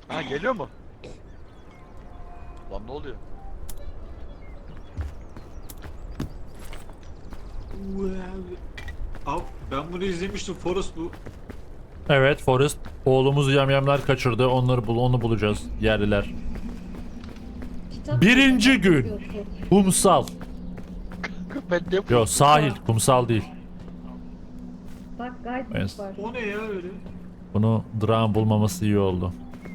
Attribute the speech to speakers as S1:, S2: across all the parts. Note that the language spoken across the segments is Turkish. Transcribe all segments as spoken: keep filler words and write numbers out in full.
S1: Ha geliyor mu? Lan ne oluyor?
S2: Abi ben bunu izlemiştim. Forrest bu.
S3: Evet Forrest. Oğlumuzu yamyamlar kaçırdı. Onları bul onu bulacağız. Yerliler.
S4: Kitap
S3: Birinci
S4: kitap
S3: gün.
S4: okuyordu.
S3: Kumsal.
S1: Ben ne
S3: Yo sahil. Kumsal değil.
S4: Bak guidebook
S3: Evet.
S4: var.
S2: O ne ya öyle?
S3: Bunu Drak'ın bulmaması iyi oldu.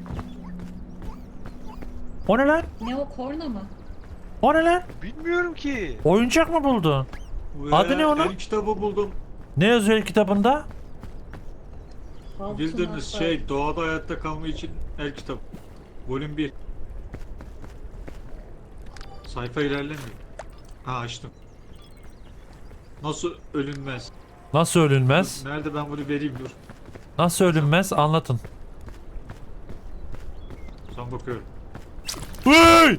S3: O ne lan?
S4: Ne o, korna mı?
S3: O ne lan?
S1: Bilmiyorum ki.
S3: Oyuncak mı buldun?
S2: Ve
S3: Adı ne onun?
S2: El kitabı buldum.
S3: Ne yazıyor kitabında?
S4: Altın
S2: Bildiğiniz
S4: harfler.
S2: şey doğada hayatta kalma için el kitabı. Volüm bir. Sayfa ilerlemiyor. Ha açtım. Nasıl ölünmez?
S3: Nasıl ölünmez?
S2: Nerede ben bunu vereyim dur.
S3: Nasıl ölünmez? Anlatın.
S2: Son bakıyorum.
S3: Hey!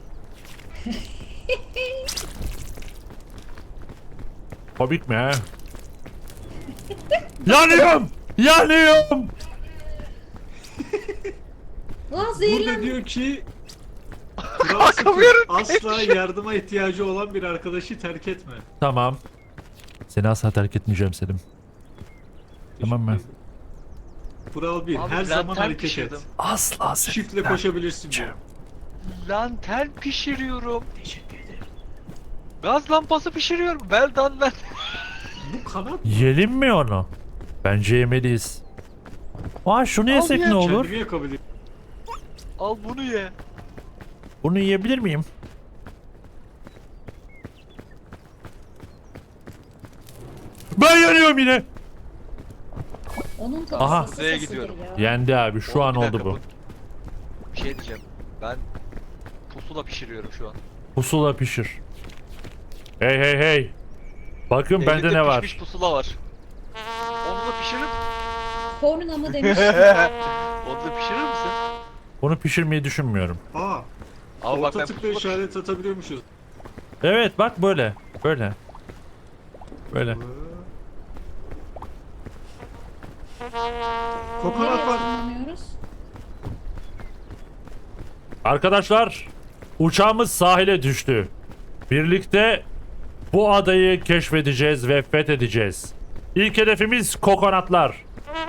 S3: Komik mi ha? Yanıyorum! Yanıyorum!
S4: Lan
S2: Burada
S4: zehirlen.
S2: diyor ki Kral Sıfır asla yardıma ihtiyacı olan bir arkadaşı terk etme.
S3: Tamam. Seni asla terk etmeyeceğim Selim. Tamam mı?
S2: Kural bir.
S1: Abi,
S2: Her zaman
S1: lantern
S2: hareket
S1: pişirdim.
S2: et.
S3: Asla seni
S2: Shift'le
S3: terk
S2: koşabilirsin diyor.
S3: etmeyeceğim.
S1: Lantern pişiriyorum. Gaz lampası pişiriyorum. Well done lan.
S2: Bu kanat
S3: Yiyelim mi onu? Bence yemeliyiz. Aa şunu yesek
S1: ye,
S3: ne olur?
S2: kendimi yakabilir.
S1: Al bunu ye.
S3: Bunu yiyebilir miyim? Ben yanıyorum yine.
S4: Onun tadı
S3: Aha.
S4: sası
S1: Nereye
S4: sasıdır
S1: gidiyorum?
S4: ya.
S3: Yendi abi şu
S1: Oğlum,
S3: an
S1: bir
S3: oldu
S1: dakika,
S3: bu.
S1: Bir şey diyeceğim. Ben pusula pişiriyorum şu an.
S3: Pusula pişir. Hey hey hey. Bakın bende
S1: Elimde
S3: ne var?
S1: pişmiş pusula var. Onu da pişirir.
S4: Korna mı demiş.
S1: Onu da pişirir misin?
S3: Bunu pişirmeyi düşünmüyorum.
S2: Aa,
S1: Ama bak
S2: orta
S1: ben
S2: tıkla
S1: pusula
S2: işaret atabiliyormuşuz.
S3: Evet bak böyle. Böyle. Böyle.
S2: Kokonat
S4: Nereye
S2: var.
S4: ışınlanıyoruz?
S3: Arkadaşlar uçağımız sahile düştü. Birlikte bu adayı keşfedeceğiz ve fethedeceğiz. İlk hedefimiz kokonatlar.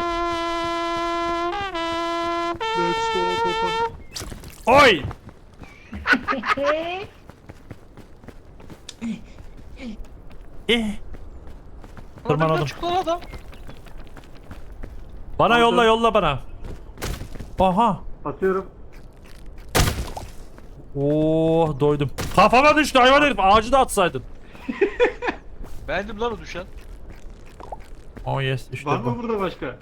S2: Let's go kokonat.
S3: Oy! Eh. Tırmanadım.
S1: Önümden çıktı lan adam.
S3: Bana
S2: Aldım.
S3: yolla yolla bana. Aha.
S2: Atıyorum.
S3: Oh doydum. Kafama düştü hayvan herif. Ağacı da atsaydın.
S1: Beğendim lan o düşen.
S3: Oh yes işte
S2: Var mı
S3: bu.
S2: burada başka?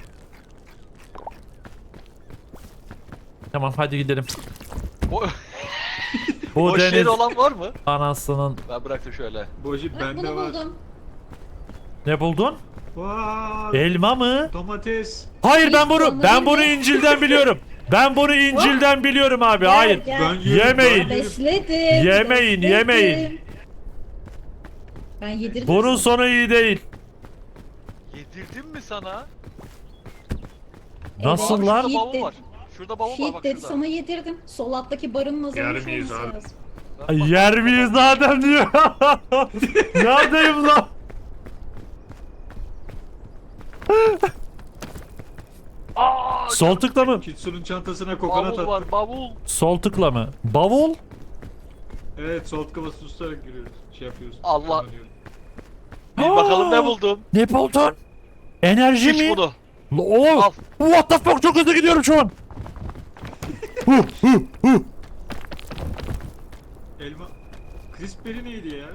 S3: Tamam hadi gidelim.
S1: O,
S3: Bu
S1: o
S3: deniz
S1: şeyde olan var mı?
S3: anasının.
S1: Ben bıraktım şöyle.
S2: Boji
S4: Bak
S2: bende
S4: bunu
S2: var.
S4: buldum.
S3: Ne buldun?
S2: Vay.
S3: Elma mı?
S2: Domates.
S3: Hayır ben
S4: Hiç
S3: bunu
S4: olmadı
S3: ben bunu
S4: mı?
S3: İncil'den biliyorum. Ben bunu İncil'den biliyorum abi.
S4: Gel,
S3: Hayır.
S4: gel.
S2: Ben yerim,
S3: Yemeyin.
S2: ben yerim.
S4: Besledim.
S3: Yemeyin,
S4: besledim.
S3: yemeyin.
S4: Ben yedirdim.
S3: Bunun
S4: sana.
S3: sonu iyi değil.
S1: Yedirdim mi sana?
S3: Nasıl
S4: Evet.
S3: lan?
S1: Şurada bavul
S4: Yedir-
S1: var. Şurada bavul var
S4: Shit
S1: bak
S4: dedi
S1: şurada.
S4: sana yedirdim. Sol alttaki barın
S2: Yer
S4: azalmış
S2: miyiz
S4: olması
S2: abi?
S4: lazım.
S1: Ben bak-
S3: Yer miyiz zaten diyor. Neredeyim lan?
S1: Aa,
S3: Sol tıkla mı?
S2: Kitsu'nun çantasına kokonat
S1: bavul
S2: attım.
S1: var bavul.
S3: Sol tıkla mı? Bavul?
S2: Evet, sol tıka basılı tutarak giriyoruz. Şey yapıyoruz.
S1: Allah.
S2: kullanıyoruz.
S1: Bir bakalım ne buldum.
S3: Ne buldun? Enerji
S1: İç
S3: mi?
S1: bunu.
S3: Oh,
S1: Al.
S3: what the fuck çok hızlı gidiyorum şu an. Huh, huh, huh.
S2: Elma. Crispberry neydi ya?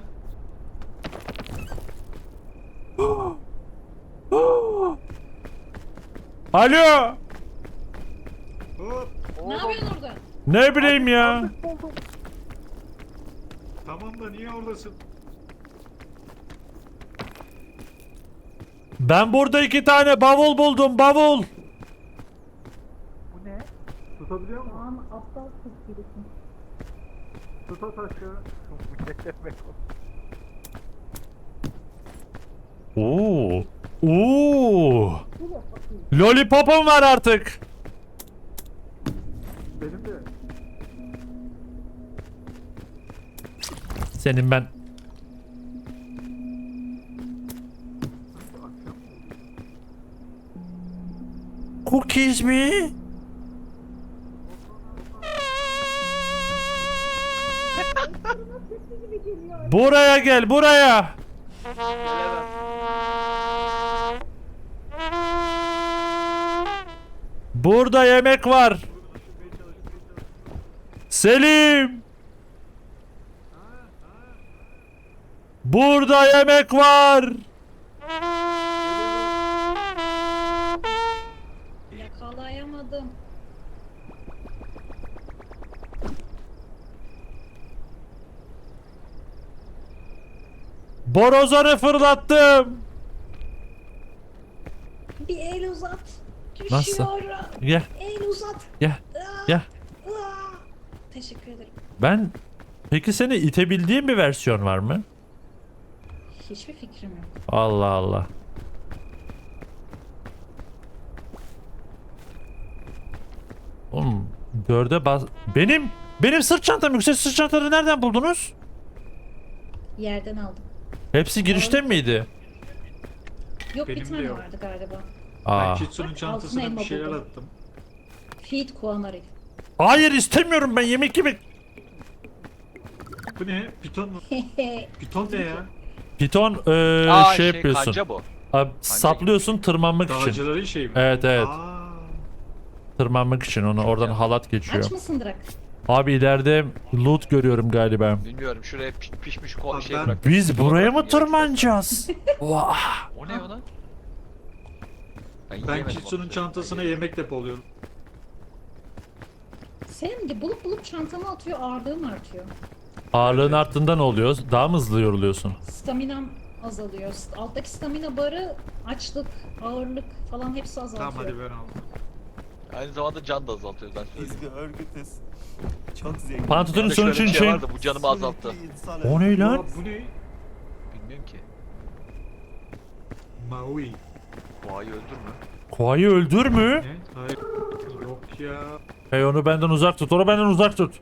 S3: Alo.
S2: Hop.
S4: Ne yapıyorsun orada?
S3: Ne bileyim ya.
S2: Tamam da niye oradasın?
S3: Ben burada iki tane bavul buldum bavul.
S2: Tutabiliyor musun?
S4: Aman aptal kız gibisin.
S2: Tut at aşağı.
S3: Oo. Oo. Lollipop'um var artık.
S2: Benim de.
S3: Senin ben. Cookies mi? Buraya gel, buraya. Burada yemek var. Selim. Burada yemek var.
S4: Yakalayamadım.
S3: Borazanı fırlattım.
S4: Bir el uzat.
S3: Nasıl?
S4: Düşüyorum.
S3: Gel,
S4: El uzat.
S3: gel,
S4: Aa,
S3: gel.
S4: aa. Teşekkür ederim.
S3: Ben... Peki seni itebildiğim bir versiyon var mı?
S4: Hiçbir fikrim yok.
S3: Allah Allah. Oğlum dörde bas... Benim... Benim sırt çantam yüksek sırt çantaları nereden buldunuz?
S4: Yerden aldım.
S3: Hepsi girişte miydi?
S4: Yok
S2: Benim
S4: bir
S2: de
S4: tane
S2: yok.
S4: vardı galiba.
S3: Aa.
S2: Ben Kitsu'nun
S4: Bak,
S2: çantasına
S4: altın
S2: bir şeyler
S4: elma
S2: attım.
S4: Feed Kuanari.
S3: Hayır istemiyorum ben yemek yemek.
S2: Bu ne? Piton mu? Piton ne ya?
S3: Piton eee,
S1: Aa
S3: şey,
S1: şey,
S3: yapıyorsun.
S1: kanca bu.
S3: Abi, saplıyorsun tırmanmak için.
S2: Dağcıların şeyi mi?
S3: Evet evet.
S2: Aa,
S3: Tırmanmak için onu oradan halat geçiyor.
S4: Aç mısın Drak?
S3: Abi ileride loot görüyorum galiba.
S1: Bilmiyorum şuraya piş- pişmiş ko
S2: Abi
S1: şey
S2: ben-
S1: bırak.
S3: Biz buraya mı
S1: Yemek-
S3: tırmanacağız? Vah.
S1: O ne o lan? Ben,
S2: ben
S1: yemedim
S2: Kitsu'nun
S1: onu.
S2: çantasına yemek depoluyorum.
S4: Sen de bulup bulup çantama atıyor, ağırlığım artıyor.
S3: Ağırlığın arttığında ne oluyor? Daha mı hızlı yoruluyorsun?
S4: Staminam azalıyor. St- Alttaki stamina barı, açlık, ağırlık falan hepsi azaltıyor.
S2: Tamam hadi ben aldım.
S1: Aynı zamanda can da azaltıyor ben söyleyeyim.
S5: Biz de örgütüz. Çok zengin.
S3: Pantolonun
S1: Bir de şöyle
S3: sonuç
S1: bir
S3: için
S1: şey
S3: şey...
S1: vardı bu canımı azalttı.
S5: Sürekli insan
S3: O ne lan?
S2: Aa, bu ne?
S1: Bilmiyorum ki.
S2: Maui.
S1: Boğayı öldürme.
S3: Koa'yı öldür mü?
S2: Ne? Hayır. Yok ya.
S3: Hey onu benden uzak tut. Onu benden uzak tut.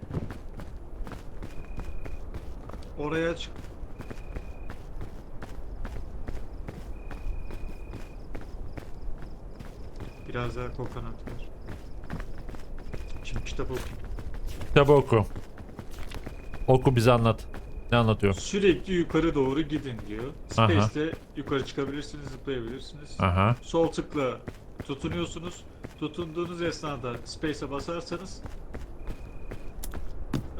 S2: Oraya çık. Biraz daha kokonat ver. Şimdi kitap okuyayım.
S3: Kitabı oku. Oku bize anlat. Ne anlatıyor?
S2: Sürekli yukarı doğru gidin diyor.
S3: Aha.
S2: Space'te yukarı çıkabilirsiniz, zıplayabilirsiniz.
S3: Aha.
S2: Sol tıkla tutunuyorsunuz. Tutunduğunuz esnada Space'e basarsanız eee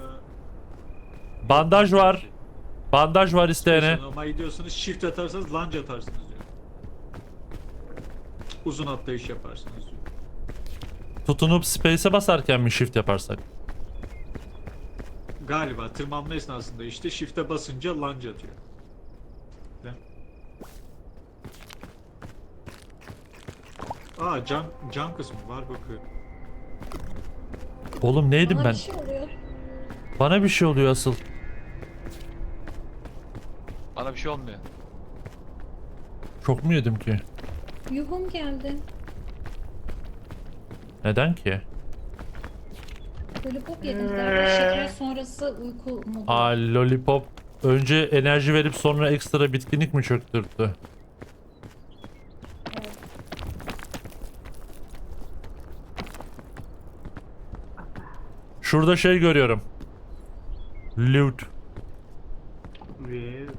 S3: Bandaj var. Bandaj var isteyene.
S2: Space'e normal gidiyorsunuz. Shift atarsanız lunge atarsınız diyor. Uzun atlayış yaparsınız diyor.
S3: Tutunup space'e basarken mi shift yaparsak?
S2: Galiba tırmanma esnasında işte shift'e basınca lunge atıyor. Değil mi? Aa can, can kısmı var bakıyor.
S3: Oğlum neydim
S4: Bana
S3: ben?
S4: bir şey oluyor.
S3: Bana bir şey oluyor asıl.
S1: Bana bir şey olmuyor.
S3: Çok mu yedim ki?
S4: Yuhum geldi.
S3: Neden ki?
S4: Lollipop yedim galiba. Şeker sonrası uyku modu.
S3: Aa lollipop önce enerji verip sonra ekstra bitkinlik mi çöktürttü?
S4: Evet.
S3: Şurada şey görüyorum. Loot.
S2: Ve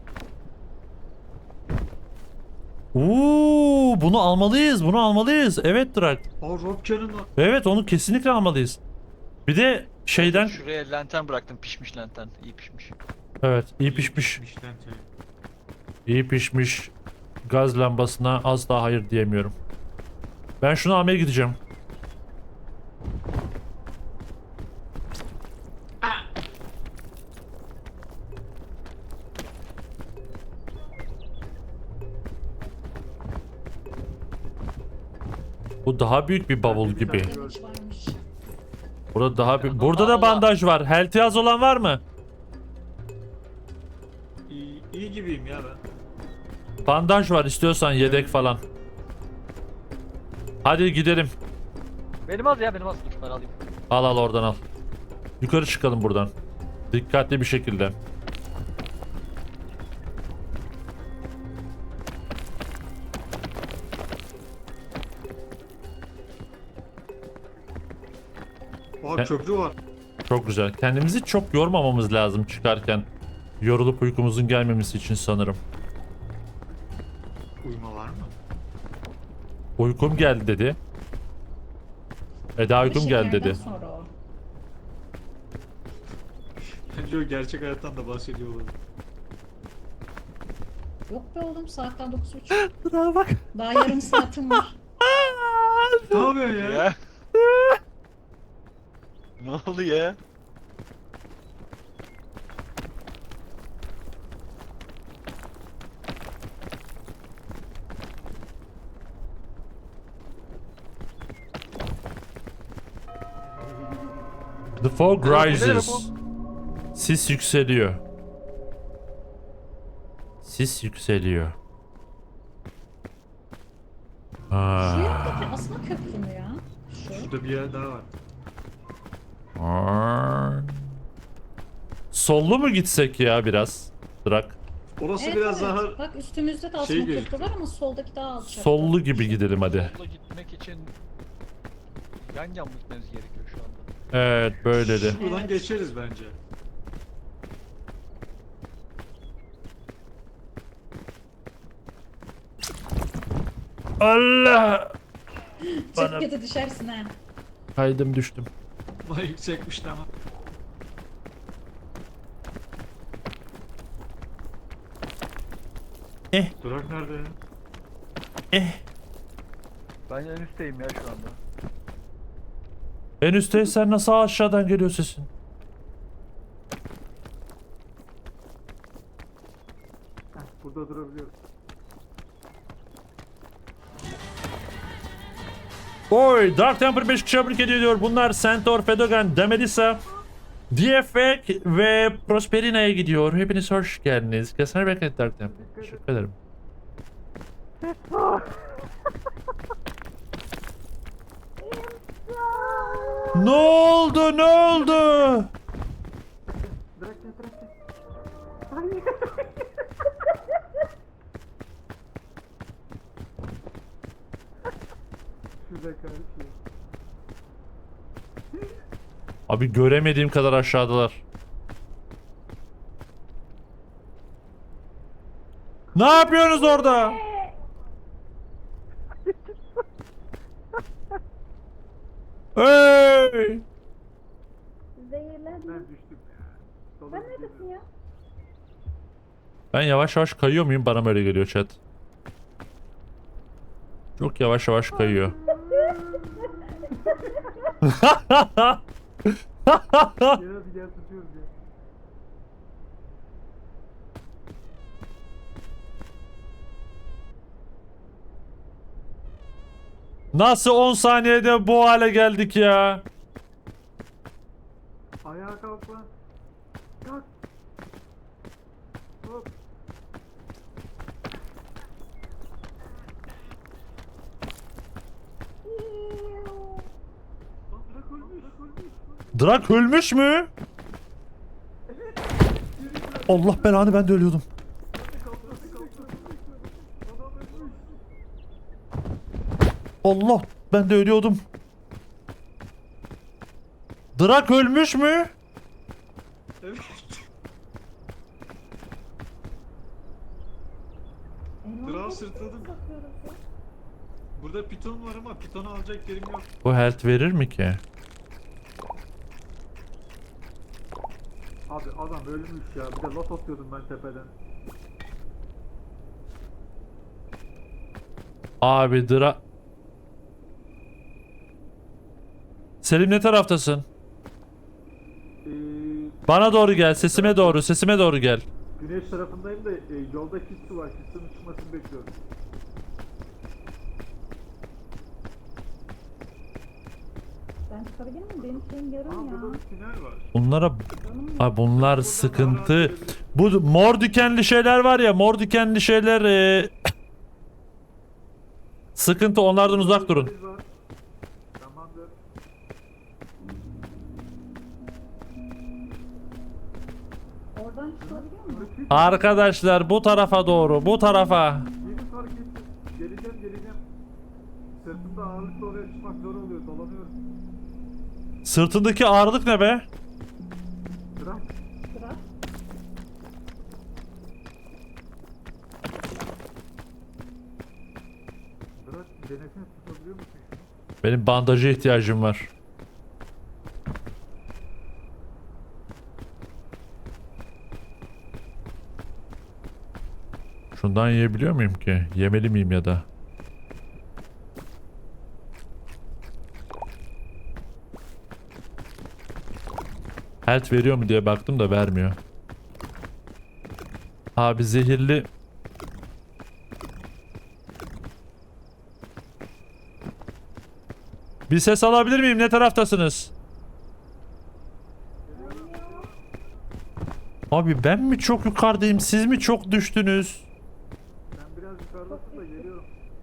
S3: Uuu bunu almalıyız. Bunu almalıyız. Evet Drak.
S2: o Robcan'ın o...
S3: Evet onu kesinlikle almalıyız. Bir de şeyden
S1: Şuraya lantern bıraktım pişmiş lantern. İyi pişmiş.
S3: evet iyi pişmiş.
S2: pişmiş lantern.
S3: İyi pişmiş gaz lambasına asla hayır diyemiyorum. Ben şunu almaya gideceğim. Bu daha büyük bir bavul gibi.
S4: Damage varmış.
S3: Burada daha bir... Burada da bandaj var. Health az olan var mı?
S2: İyi, iyi gibiyim ya ben.
S3: Bandaj var istiyorsan yedek falan. Hadi gidelim.
S1: Benim az ya benim az. Dur ben alayım.
S3: Al al oradan al. Yukarı çıkalım buradan. Dikkatli bir şekilde.
S2: Oha
S3: E-
S2: köprü var.
S3: Çok güzel. Kendimizi çok yormamamız lazım çıkarken. Yorulup uykumuzun gelmemesi için sanırım.
S2: Uyuma var mı?
S3: Uykum geldi dedi. Eda uykum geldi
S4: Şekerden
S3: dedi.
S4: sonra o.
S2: Bence o gerçek hayattan da bahsediyor olabilir.
S4: Yok be oğlum saatten dokuz buçuk.
S3: Bravo bak.
S4: Daha yarım saatim var.
S2: Ne yapıyorsun ya?
S1: Ya. Ne oldu ya?
S3: The fog
S1: Merhaba,
S3: rises. Sis yükseliyor. Sis yükseliyor.
S4: Şu
S3: Aa.
S4: yanındaki aslında köprü mü ya? Şu.
S2: Şurada bir yer daha var.
S3: Aa. Sollu mu gitsek ya biraz? Drak.
S2: Orası
S4: Evet,
S2: biraz
S4: evet.
S2: daha
S4: Bak üstümüzde de aslında
S2: şey
S4: köprü
S2: gözüküyor.
S4: var ama soldaki daha alçak.
S3: Sollu gibi gidelim hadi.
S1: Solda gitmek için yan yan mı gitmemiz gerekiyor şu anda?
S3: Evet böyle de.
S2: buradan
S4: Evet.
S2: geçeriz bence.
S3: Allah!
S4: Çok
S3: Bana-
S4: kötü düşersin ha.
S3: Kaydım düştüm.
S2: Ama yüksekmişti ama.
S3: Eh
S2: Durak nerede ya?
S3: eh.
S1: Ben en üstteyim ya şu anda.
S3: En üstteysen nasıl aşağıdan geliyor sesin?
S2: Burada durabiliyoruz.
S3: Oy, Dark Temper beş kişi abone ediyor. Bunlar Centaur, Fedogan, Demelisa, D F X ve Prosperina'ya gidiyor. Hepiniz hoş geldiniz. Kesene beklet Dark Temper. Teşekkür ederim. Ne oldu? Ne oldu? Abi göremediğim kadar aşağıdalar. Ne yapıyorsunuz orada? Hey!
S4: Zehirlendim.
S2: Ben düştüm.
S4: Sen neredesin ya?
S3: Ben yavaş yavaş kayıyor muyum? Bana böyle geliyor chat. Çok yavaş yavaş kayıyor.
S2: Gel hadi gel tutuyoruz ya.
S3: Nasıl on saniyede bu hale geldik ya?
S2: Ayağa kalk lan. Kalk. Hop. Lan bırak ölmüş. Ölmüş.
S3: Drak ölmüş mü? Allah belanı, ben de ölüyordum. Allah, ben de ölüyordum. Drak ölmüş mü?
S2: Evet. Drak'ı sırtladım. Burada piton var ama pitonu alacak yerim yok.
S3: Bu health verir mi ki?
S2: Abi adam ölmüş ya. Bir de lot atıyordum ben tepeden.
S3: Abi Drak... Selim ne taraftasın?
S2: Ee,
S3: Bana doğru gel, sesime doğru, sesime doğru gel.
S2: güneş tarafındayım da e, yolda kisti var. Kistinin çıkmasını bekliyorum.
S4: Ben çıkabilir miyim? Benim şeyim yarım
S2: Aa
S4: ya.
S2: burada bir tünel var.
S3: Bunlara... Ay bunlar sıkıntı. Bu mor dikenli şeyler var ya, mor dikenli şeyler... e, sıkıntı, onlardan uzak durun.
S2: Var. Tamamdır.
S4: Buradan çıkabiliyor mu?
S3: Arkadaşlar bu tarafa doğru, bu tarafa.
S2: Yeni fark ettim. Geleceğim geleceğim. Sırtımda ağırlıkla oraya çıkmak zor oluyor. Dolanıyorum.
S3: Sırtındaki ağırlık ne be?
S2: Bırak.
S4: Sıra.
S2: Bırak. Denesini tutabiliyor musun?
S3: Benim bandaja ihtiyacım var. Şundan yiyebiliyor muyum ki? Yemeli miyim ya da? Health veriyor mu diye baktım da vermiyor. Abi zehirli. Bir ses alabilir miyim? Ne taraftasınız? Abi ben mi çok yukarıdayım? Siz mi çok düştünüz?
S2: Sen biraz yukarıdasın da geliyorum.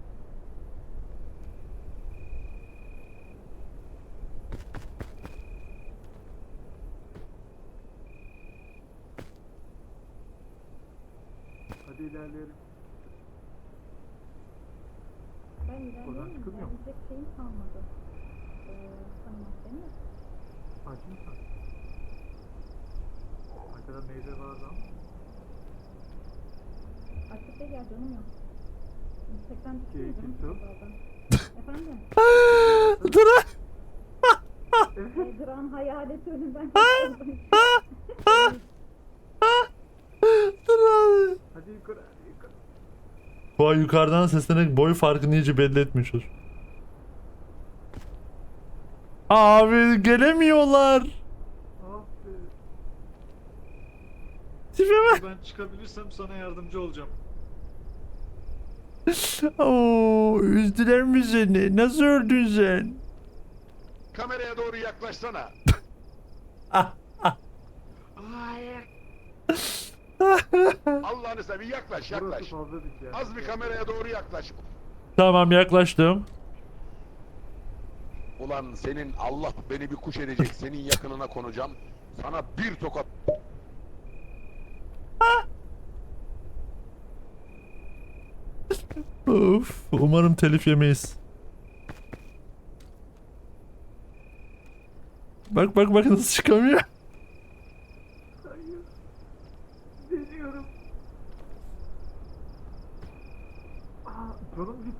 S2: Hadi ilerleyelim.
S4: Ben ilerleyeyim.
S2: çıkılmıyor mu?
S4: Gidecek şeyim kalmadı. Ee, tamam değil mi?
S2: Aç mısın? Arkada meyve var ama.
S4: Artık da gel canım yok. Yüksekten
S2: Şey,
S4: düşüyor canım.
S2: kimse yok.
S4: Efendim?
S3: Dur.
S4: Ee, Duran hayaleti önünden kaçırdım.
S3: Dur abi.
S2: Hadi yukarı, hadi yukarı.
S3: Bu ay yukarıdan seslenerek boy farkını iyice belli etmiş olur. Abi gelemiyorlar.
S2: Ah be.
S3: Tipe bak.
S2: Ben çıkabilirsem sana yardımcı olacağım.
S3: Oo, üzdüler mi seni? Nasıl öldün sen?
S6: Kameraya doğru yaklaşsana. Allah'ını seveyim yaklaş yaklaş.
S2: Burası fazla dik ya.
S6: Az bir kameraya doğru yaklaş.
S3: Tamam yaklaştım.
S6: Ulan senin Allah beni bir kuş edecek. Senin yakınına konacağım. Sana bir tokat.
S3: Of, umarım telif yemeyiz. Bak bak bak nasıl çıkamıyor.
S2: Hayır. Deniyorum. Aa, canım git.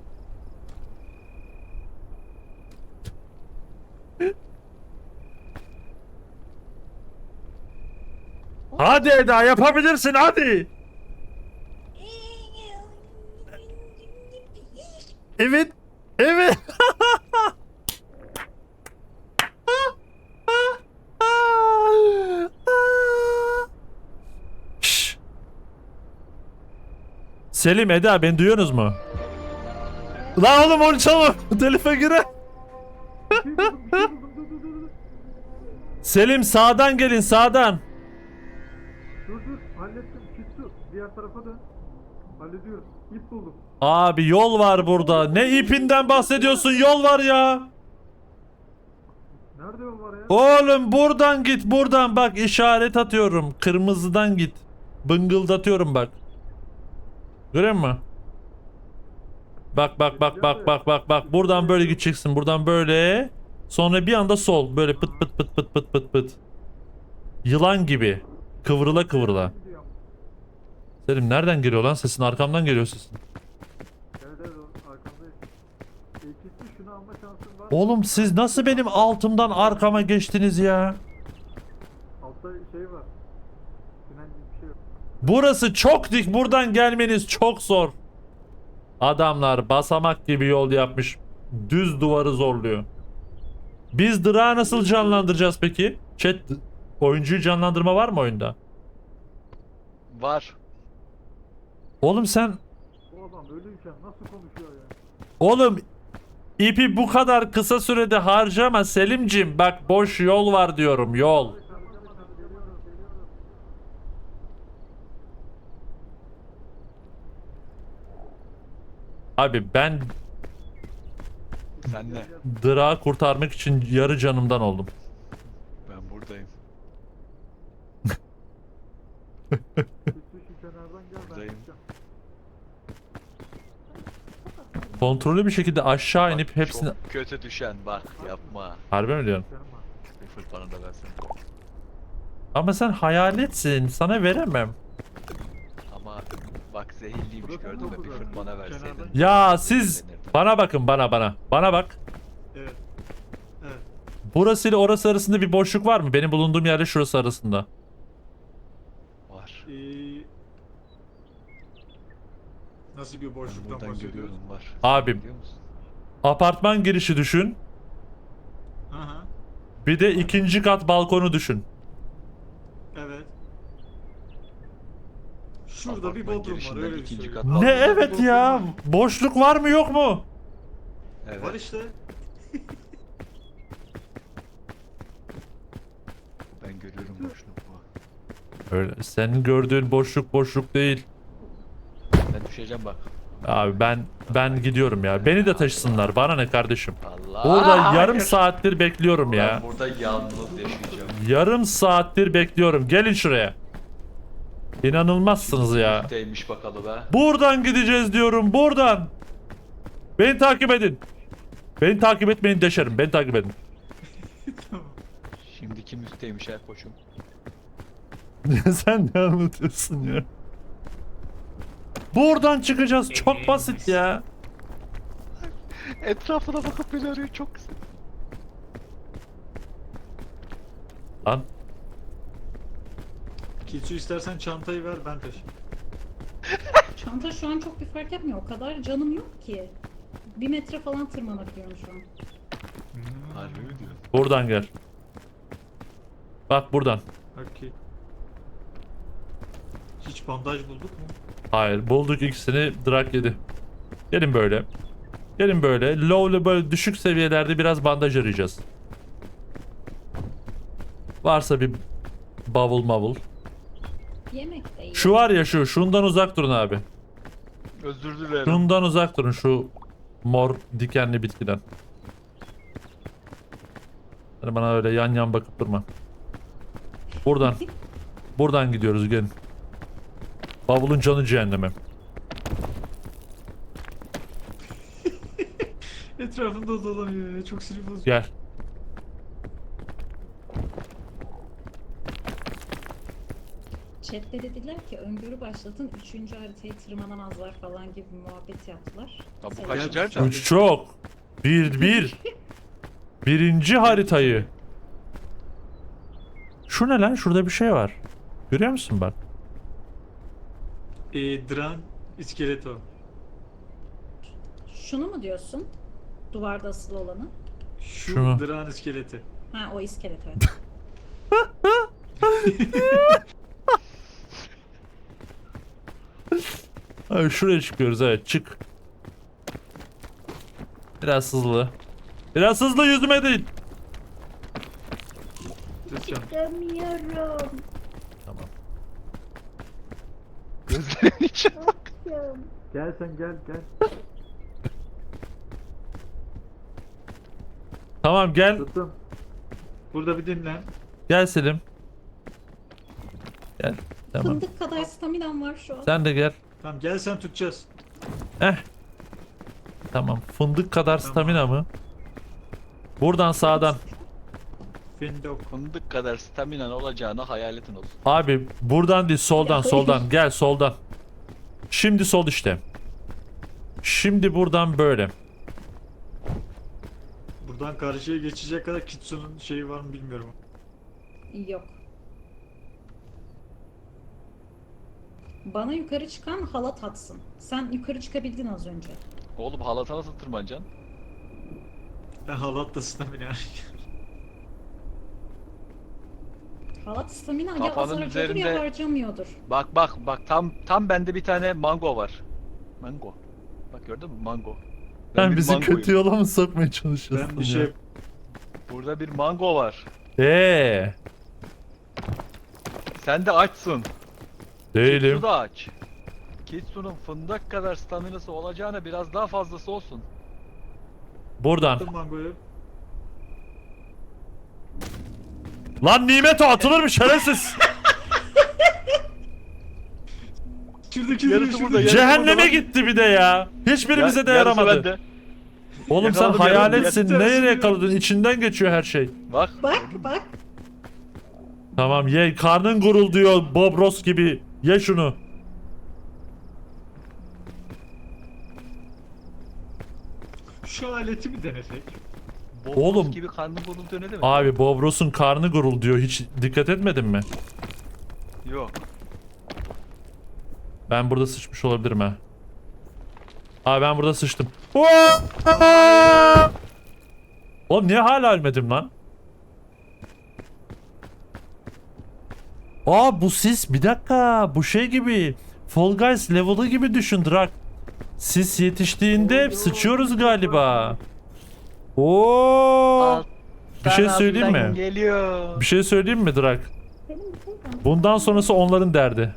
S3: Hadi Eda yapabilirsin hadi. Evet. Evet. Şşş. Selim, Eda beni duyuyorsunuz mu? Lan oğlum onu çalma. Telife gire.
S2: Bir şey buldum, bir şey buldum. Dur dur dur dur.
S3: Selim sağdan gelin sağdan.
S2: Dur dur. Hallettim. Küstü. Diğer tarafa dön. Hallediyorum. İp buldum.
S3: Abi yol var burada. Ne ipinden bahsediyorsun? Yol var ya.
S2: Nerede yol var ya?
S3: Oğlum buradan git buradan bak işaret atıyorum. Kırmızıdan git. Bıngıldatıyorum bak. Görüyor musun? Bak bak bak bak bak bak bak. Buradan böyle gideceksin. Buradan böyle. Sonra bir anda sol. Böyle pıt pıt pıt pıt pıt pıt pıt. Yılan gibi. Kıvrıla kıvrıla.
S2: Gidiyorum.
S3: Selim nereden geliyor lan sesin? Arkamdan geliyor sesin.
S2: Evet evet arkamdayım. İkisi şunu alma şansın var.
S3: Oğlum siz nasıl benim altımdan arkama geçtiniz ya?
S2: Altta şey var. Tünel gibi bir şey yok.
S3: Burası çok dik. Buradan gelmeniz çok zor. Adamlar basamak gibi yol yapmış. Düz duvarı zorluyor. Biz Drak'ı nasıl canlandıracağız peki? Chat, oyuncuyu canlandırma var mı oyunda?
S1: Var.
S3: Oğlum sen...
S2: Bu adam ölüyken nasıl konuşuyor ya?
S3: Oğlum ipi bu kadar kısa sürede harcama Selimcim. Bak boş yol var diyorum yol. Abi ben
S1: Sen de.
S3: Drak'ı kurtarmak için yarı canımdan oldum.
S1: Ben buradayım. Buradayım.
S3: Kontrollü bir şekilde aşağı
S1: Bak,
S3: inip hepsini...
S1: Çok kötü düşen bak yapma.
S3: Harbi mi diyorsun?
S1: Bir fırt bana da versen.
S3: Ama sen hayaletsin. Sana veremem.
S1: Ama bak zehirliymiş gördün mü? Bir fırt bana verseydin.
S3: Ya siz... Bana bakın bana bana. Bana bak.
S2: Evet. Evet.
S3: Burası ile orası arasında bir boşluk var mı? Benim bulunduğum yerle şurası arasında.
S1: Var.
S2: Ee, nasıl bir
S1: Ben
S2: boşluktan
S1: buradan
S2: bahsediyoruz?
S1: görüyorum var.
S3: Abi.
S1: Biliyor musun?
S3: Apartman girişi düşün.
S2: Aha.
S3: Bir de ikinci kat balkonu düşün.
S2: Evet. Şurada
S1: Apartman
S2: bir bodrum var
S1: girişinden
S2: öyle bir
S1: ikinci
S2: şey.
S1: kat.
S3: Ne
S2: Altında bir
S3: evet
S2: bodrum
S3: ya.
S2: var.
S3: Boşluk var mı yok mu?
S1: Evet.
S2: Var işte.
S1: Ben görüyorum boşluk bu.
S3: Öyle. Senin gördüğün boşluk boşluk değil.
S1: Ben düşeceğim bak.
S3: Abi ben ben gidiyorum ya. Beni de taşısınlar. Bana ne kardeşim?
S1: Allah.
S3: Burada yarım
S1: hayır.
S3: saattir bekliyorum ya.
S1: Ben burada yalnız yaşayacağım.
S3: Yarım saattir bekliyorum. Gelin şuraya. İnanılmazsınız ya.
S1: Üstteymiş bakalım ha.
S3: Buradan gideceğiz diyorum. Buradan. Beni takip edin. Beni takip etmeyin deşerim. Beni takip edin.
S1: Şimdi kim üstteymiş ha koçum?
S3: Sen ne anlatıyorsun ya? Buradan çıkacağız. Çok basit ya.
S1: Etrafına bakıp beni arıyor çok güzel.
S3: Lan.
S2: Kitsu istersen çantayı ver ben taşıyayım.
S4: Çanta şu an çok bir fark yapmıyor. O kadar canım yok ki. Bir metre falan tırmanabiliyorum şu an.
S1: Harbi mi diyor?
S3: Buradan gel. Bak buradan.
S2: Okey. Hiç bandaj bulduk mu?
S3: Hayır bulduk ikisini. Drak yedi. Gelin böyle. Gelin böyle. Low'la böyle düşük seviyelerde biraz bandaj arayacağız. Varsa bir bavul mavul.
S4: Yemek de iyi.
S3: Şu var ya şu. Şundan uzak durun abi.
S1: Özür dilerim.
S3: Şundan uzak durun şu mor dikenli bitkiden. Hani bana öyle yan yan bakıp durma. Buradan. Buradan gidiyoruz gelin. Bavulun canı cehenneme.
S2: Etrafında dolanıyor ya. Çok sinir bozucu.
S3: Gel.
S4: Chat'te dediler ki öngörü başlatın. Üçüncü haritayı tırmanamazlar falan gibi bir muhabbet yaptılar.
S1: Ya bu
S4: Selam.
S1: kaçıncı harita?
S3: Üç çok. Bir bir. Birinci haritayı. Şu ne lan? Şurada bir şey var. Görüyor musun bak?
S2: Ee, Dran iskelet o.
S4: Şunu mu diyorsun? Duvarda asılı olanı.
S2: Şu
S3: Şunu.
S2: Dran iskeleti.
S4: Ha o iskelet evet.
S3: Abi şuraya çıkıyoruz evet çık. Biraz hızlı. Biraz hızlı yüzüme değil.
S2: Tutacağım.
S4: Demiyorum.
S3: Tamam.
S1: Gözlerimin içine bak.
S2: Gel sen gel gel.
S3: Tamam gel.
S2: Tuttum. Burada bir dinlen.
S3: Gel Selim. Gel. Tamam.
S4: Fındık kadar staminam var şu an.
S3: Sen de gel.
S2: Tamam gel sen tutacağız.
S3: Eh. Tamam. Fındık kadar stamina mı? Buradan sağdan.
S2: Findok.
S1: Fındık kadar staminan olacağını hayaletin olsun.
S3: Abi buradan değil soldan
S4: Ya,
S3: soldan. Gel soldan. Şimdi sol işte. Şimdi buradan böyle.
S2: Buradan karşıya geçecek kadar Kitsu'nun şeyi var mı bilmiyorum.
S4: Yok. Bana yukarı çıkan halat atsın. Sen yukarı çıkabildin az önce.
S1: Oğlum halata nasıl tırmanacaksın?
S2: Ben halat da stamina.
S4: Halat stamina ya
S1: Kafanın
S4: az harcıyordur ya
S1: üzerinde-
S4: harcamıyordur.
S1: Bak bak bak tam tam bende bir tane mango var. Mango. Bak gördün mü mango. Ben
S3: Sen
S1: bir
S3: bizi
S1: mangoyum.
S3: kötü yola mı sokmaya çalışıyorsun
S2: Ben bir
S3: ya?
S2: şey
S1: Burada bir mango var.
S3: Eee.
S1: Sen de açsın.
S3: Değilim.
S1: Kitsu da aç. Kitsu'nun fındık kadar staminası olacağına biraz daha fazlası olsun.
S3: Buradan.
S2: yaptım mangoyu.
S3: Lan nimet o atılır mı şerefsiz?
S2: Şuradaki
S1: Yarısı
S2: şuradaki-
S1: burada, yarısı
S3: Cehenneme
S1: burada.
S3: gitti bir de ya. Hiçbirimize de
S1: Ya- yarısı
S3: yaramadı.
S1: bende.
S3: Oğlum sen
S1: Yakaladım, yarısı
S3: hayaletsin.
S2: bende.
S3: Nereye yakaladın? İçinden geçiyor her şey.
S1: Bak.
S4: Bak bak.
S3: Tamam ye. Karnın gurulduyor Bob Ross gibi. Ye şunu.
S2: Şu aleti mi denesek?
S1: Bob
S3: Oğlum.
S1: Ross gibi karnım bozuldu ne demek?
S3: Abi Bob Ross'un karnı gurulduyor. Hiç dikkat etmedin mi?
S1: Yok.
S3: Ben burada sıçmış olabilirim ha. Abi ben burada sıçtım. Oğlum niye hala ölmedim lan? Aa bu sis bir dakika bu şey gibi. Fall Guys level'ı gibi düşün Drak. Sis yetiştiğinde hep sıçıyoruz galiba. Oo. Bir şey söyleyeyim mi?
S1: Geliyor.
S3: Bir şey söyleyeyim mi Drak?
S4: Benim bir şey var.
S3: Bundan sonrası onların derdi.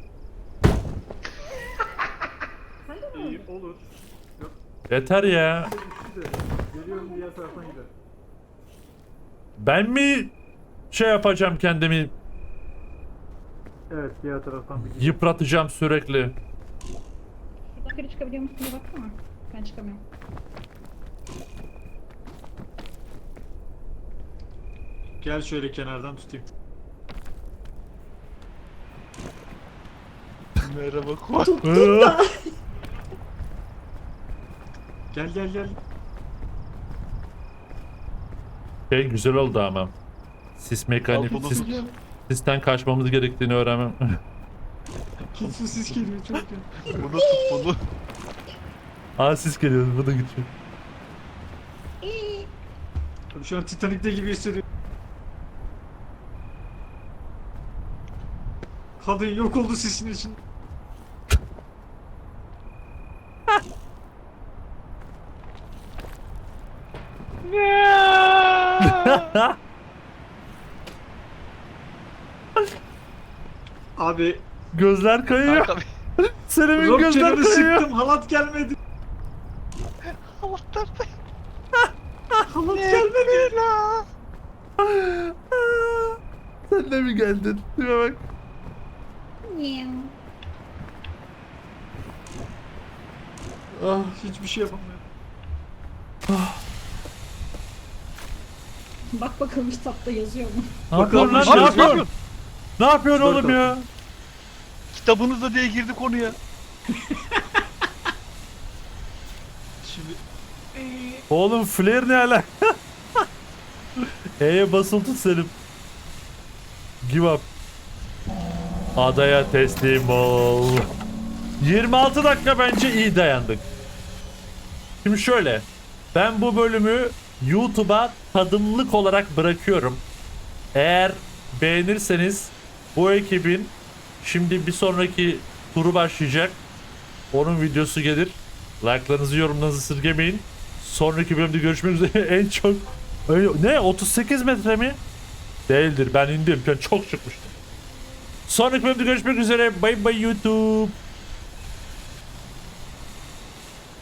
S2: İyi olur.
S3: Yeter ya.
S2: Geliyorum diğer taraftan gidelim.
S3: Ben mi şey yapacağım kendimi
S2: Evet diğer taraftan bir
S3: yıpratacağım sürekli.
S4: Şuradan yukarı çıkabiliyor musun diye baksana. Ben çıkamıyorum.
S2: Gel şöyle kenardan tutayım.
S1: Merhaba Kuat.
S2: Gel gel gel.
S3: Şey güzel oldu ama. Sis mekanik,
S1: Al bunu.
S3: sis, sisten kaçmamız gerektiğini öğrenmem.
S2: Su sis geliyor çok iyi.
S1: Bunu tut bunu.
S3: Aa sis geliyor, bu da gidiyor.
S2: Şu an Titanic'te gibi hissediyorum. Kadın yok oldu sisin için. Abi
S3: Gözler kayıyor.
S1: Kanka
S3: Selim'in
S2: rock
S3: gözler
S2: canını
S3: kayıyor.
S2: sıktım halat gelmedi.
S1: Allah'tan
S2: Halat gelmedi.
S3: Sen de mi geldin? Şuna bak.
S2: Ah, hiçbir şey yapamıyorum.
S4: Bak bakalım kitapta yazıyor mu?
S3: Ne yapıyorsun lan?
S2: Bakalım,
S3: Ne
S2: bir şey
S3: yapıyorsun? Ne yapıyorsun
S2: Dur
S3: oğlum ya?
S1: Kitabınızda diye girdi konuya.
S2: Şimdi
S3: Oğlum flare ne ala? E'ye basılı tut Selim. Give up. Adaya teslim ol. yirmi altı dakika bence iyi dayandık. Şimdi şöyle. Ben bu bölümü YouTube'a tadımlık olarak bırakıyorum. Eğer beğenirseniz bu ekibin şimdi bir sonraki turu başlayacak. Onun videosu gelir. Like'larınızı, yorumlarınızı esirgemeyin. Sonraki bölümde görüşmek üzere. En çok ne? otuz sekiz metre mi? Değildir. Ben indim. Ben çok çıkmıştım. Sonraki bölümde görüşmek üzere. Bye bye YouTube.